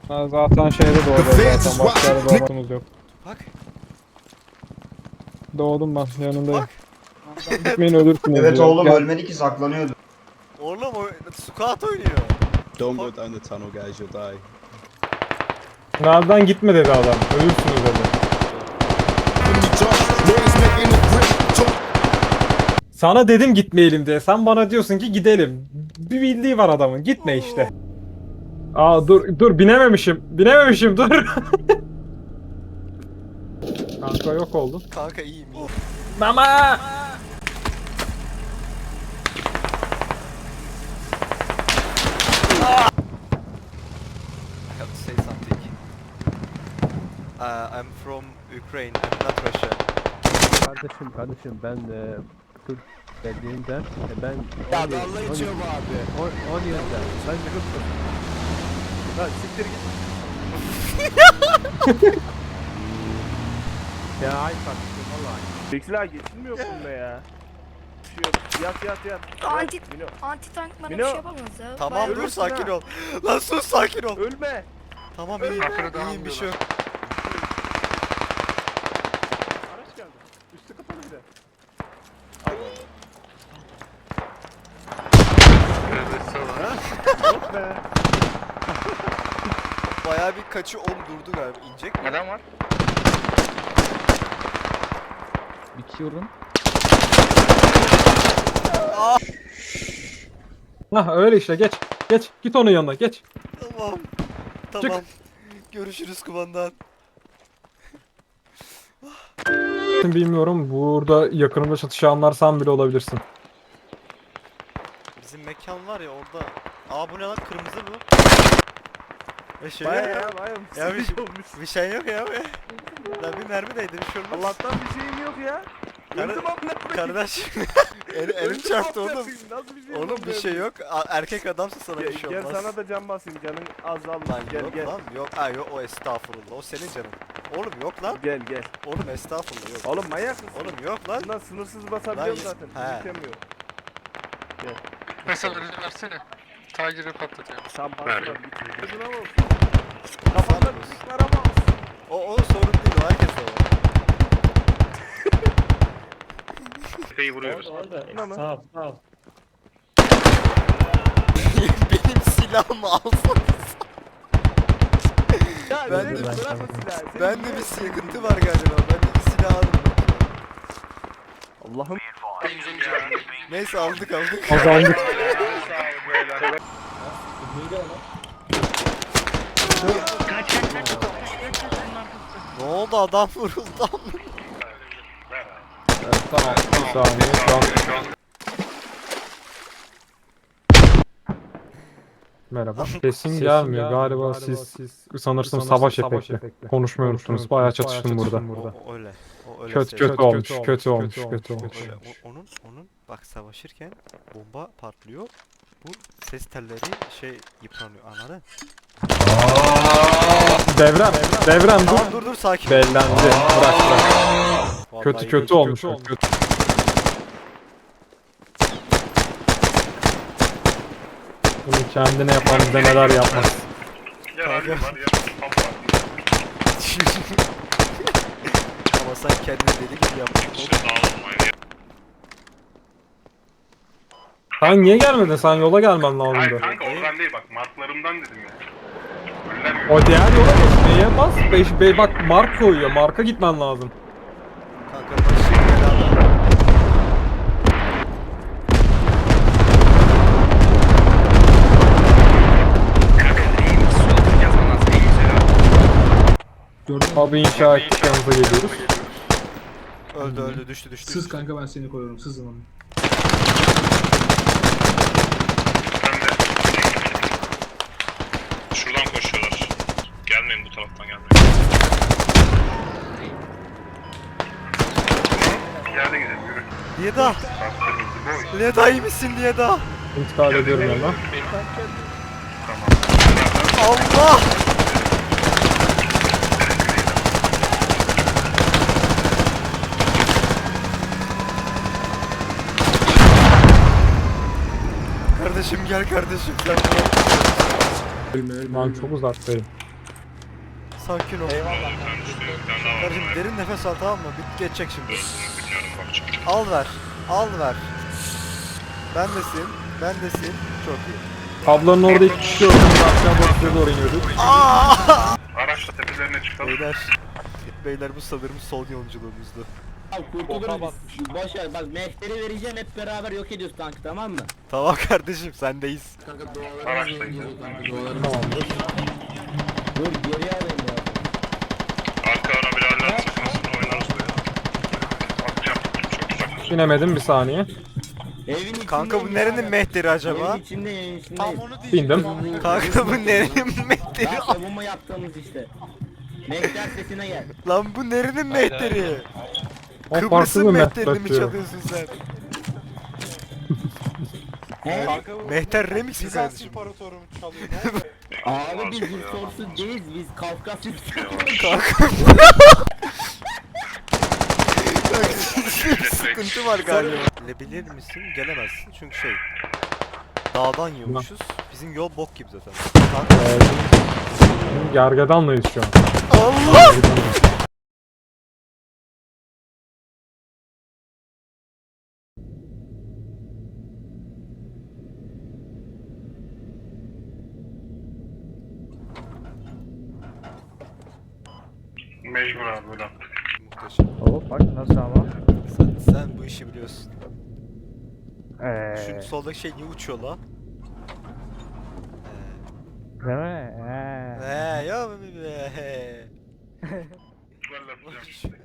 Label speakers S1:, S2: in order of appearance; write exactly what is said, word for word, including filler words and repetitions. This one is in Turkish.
S1: Ha, zaten şeyde doğdu zaten. Başka yerde doğmadığımız yok.
S2: Bak.
S1: Doğdum ben yanındayım.
S2: Bak.
S1: Gitmeyin ölürsünüz
S3: Evet
S1: diyor.
S3: oğlum
S1: Gel.
S3: ölmedi ki saklanıyordu.
S2: Oğlum o squat oynuyor.
S4: Don't go down the tunnel, guys. You'll die.
S1: Nereden gitme dedi adam. Ölürsünüz dedi. Sana dedim gitmeyelim diye. Sen bana diyorsun ki gidelim. Bir bildiği var adamın. Gitme işte. Aa dur dur binememişim. Binememişim dur. Kanka yok oldu.
S2: Kanka iyiyim iyiyim.
S1: Mama!
S2: I have to say something. Uh, I'm from Ukraine, I'm not Russia.
S5: Kardeşim kardeşim ben e, Türk dediğimden e, ben
S6: Ya dalga geçiyor bu abi.
S5: on yılda ben Kıbrıs. Lan siktir git. Ya ay kardeşim vallahi.
S6: Bekler geçilmiyor bunda ya. Şu yat yat yat.
S7: Anti
S6: Mino,
S7: anti tank bana
S6: Mino.
S7: bir şey yapamaz ya.
S2: Tamam
S7: Bayağı-
S2: dur
S6: ölürsün
S2: sakin
S6: ha.
S2: ol. Lan sus sakin ol.
S6: ölme.
S2: Tamam iyiyim. İyiyim bir şey yok.
S6: Araç geldi. Üstü kapalı bir de. Yok be.
S2: Bayağı bir kaçı on durdu galiba. İnecek mi?
S6: Adam var.
S5: Bitiyorum.
S1: Hah öyle işte geç. Geç. Git onun yanına geç.
S2: Tamam. Tamam. Görüşürüz kumandan.
S1: Bilmiyorum. Burada yakınımda çatışanlar sen bile olabilirsin.
S2: Bizim mekan var ya orada. Aa bu ne lan kırmızı bu. E şey
S6: Baya
S2: yok.
S6: ya baya.
S2: Ya bir,
S6: şey olmuş.
S2: bir şey yok ya be. Lan bir mermi değdi bir şey olmaz.
S6: Allah'tan bir şeyim yok ya.
S2: Kar-
S6: Öldüm amına koyayım.
S2: Kardeş. El, elim
S6: Öldüm
S2: çarptı
S6: amına
S2: oğlum.
S6: koyayım. Nasıl bir şey
S2: Oğlum bir şey yok. A- erkek adamsa sana bir
S6: Gel,
S2: şey
S6: gel
S2: olmaz.
S6: sana da can basayım canın azaldı.
S2: Lan
S6: Gel
S2: yok
S6: gel.
S2: lan yok. Ha yok o estağfurullah. O senin canın. Oğlum yok lan.
S6: Gel gel.
S2: Oğlum estağfurullah yok.
S6: Oğlum manyak mısın?
S2: Oğlum yok lan.
S6: Bundan sınırsız basabiliyorum
S2: Lan,
S6: zaten.
S2: he.
S6: Bitemiyor.
S8: Mesela önce versene. Taciri patlatıyor.
S6: Tam bastılar gitmiyor. Gözüne bak. Kafanda
S2: Sağ ol.
S6: bir var ama.
S2: O, o sorun değil o herkes de var.
S8: Tepeyi vuruyoruz.
S6: Buna mı?
S1: Sağ ol, sağ ol.
S2: Benim silahımı alsanız.
S6: Ya
S2: Ben
S6: ben
S2: de-
S6: bırak o silahı. Senin
S2: Bende
S6: niye-
S2: bir sıkıntı var galiba. Ben bir silah aldım.
S6: Allah'ım.
S2: Neyse aldık aldık.
S1: Kazandık.
S2: Ne oldu adam vuruldu ama.
S1: Tamam. Bir saniye. Şu an... Merhaba. Sesin gelmiyor. Galiba siz sanırsam savaş efekti. Konuşmuyor musunuz? Bayağı çatıştım burada.
S2: O, o öyle. O öyle
S1: Kötü
S2: seviyor.
S1: kötü olmuş. Kötü olmuş. Kötü olmuş.
S2: Öyle. O- onun onun bak savaşırken bomba patlıyor. Bu ses telleri şey yıpranıyor anladın?
S1: Devrem. Devrem dur.
S2: Tamam dur dur sakin.
S1: Bellendi. Bırak bırak.
S2: Vallahi
S1: Kötü kötü olmuş. Kötü. Bunu kendine yapan bize neler yapmaz.
S2: Kanka. Ama sen kendini deli gibi yaptın.
S1: Sen niye gelmedin? Sen yola gelmen lazımdı.
S8: Kanka oradan değil bak. Marklarımdan dedim ya. Öller mi?
S1: O diğer yola geçmeye bas. Beş, be, bak mark koyuyor. Marka gitmen lazım.
S2: Kanka başı belada.
S1: Abi inşa ettik yanınıza geliyoruz.
S2: Öldü öldü düştü düştü.
S9: Sız kanka ben seni koruyorum sızın onu.
S8: Ben de. Şuradan koşuyorlar. Gelmeyin bu taraftan gelmeyin. Yerde gidelim yürü.
S2: Liyeda. Liyeda iyi misin Liyeda?
S1: İntikal ediyorum yanına.
S2: Allah! Kardeşim gel kardeşim sen bırak.
S9: Ölme ölme
S1: Ben
S9: ölme.
S1: çok uzaktayım.
S2: sakin ol. Kardeşim derin nefes al, tamam mı? Bit geçecek şimdi. Al ver. Al ver. Bendesin. Bendesin. Çok iyi.
S1: Ablanın orada iki kişi gördüm. Aşağı bakıya doğru iniyorduk.
S8: Araçla tepelerine çıkalım.
S2: Beyler. Beyler bu sanırım son yolculuğumuzdu.
S3: Abi kurtuluruz. Boş ver bak mehteri vereceğim hep beraber yok ediyoruz tankı tamam mı?
S2: Tamam kardeşim, sendeyiz.
S8: Araçtayız.
S1: Tamamdır.
S3: Dur geri alayım ya.
S8: Arka ana biraller sıkmasını oynarız ya. Atacağım. Çok uzak.
S1: İnemedim bir saniye.
S3: Evin içinde.
S2: Kanka bu nerenin mehteri acaba?
S3: Evin içinde evin içindeyiz.
S1: Bindim.
S2: Kanka bu nerenin mehteri?
S3: Ya savunma yaptığımız işte. Mehter sesine gel.
S2: Lan bu nerenin mehteri?
S1: O farklı
S2: Kıbrıs'ın
S1: bir
S2: mehterini mi
S1: mehter diyor.
S2: çalıyorsun sen?
S3: He?
S2: Mehter remix mi kardeşim?
S3: Abi biz Rüstorsuz değiliz biz Kafkasya
S2: Kanka. Sıkıntı var galiba. Gelebilir misin? Gelemezsin çünkü şey. Dağdan yiyormuşuz. Bizim yol bok gibi zaten. Kanka.
S1: Gergedanlıyız şu an.
S2: Allah!
S8: Mecbur abi böyle yaptık.
S2: Muhteşem.
S6: Hop bak nasıl ama.
S2: Sen, sen bu işi biliyorsun.
S6: Eee.
S2: Şu soldaki şey niye uçuyor la?
S6: Değil mi? Eee.
S2: Eee ya be be.
S8: Böyle yapacağım işte.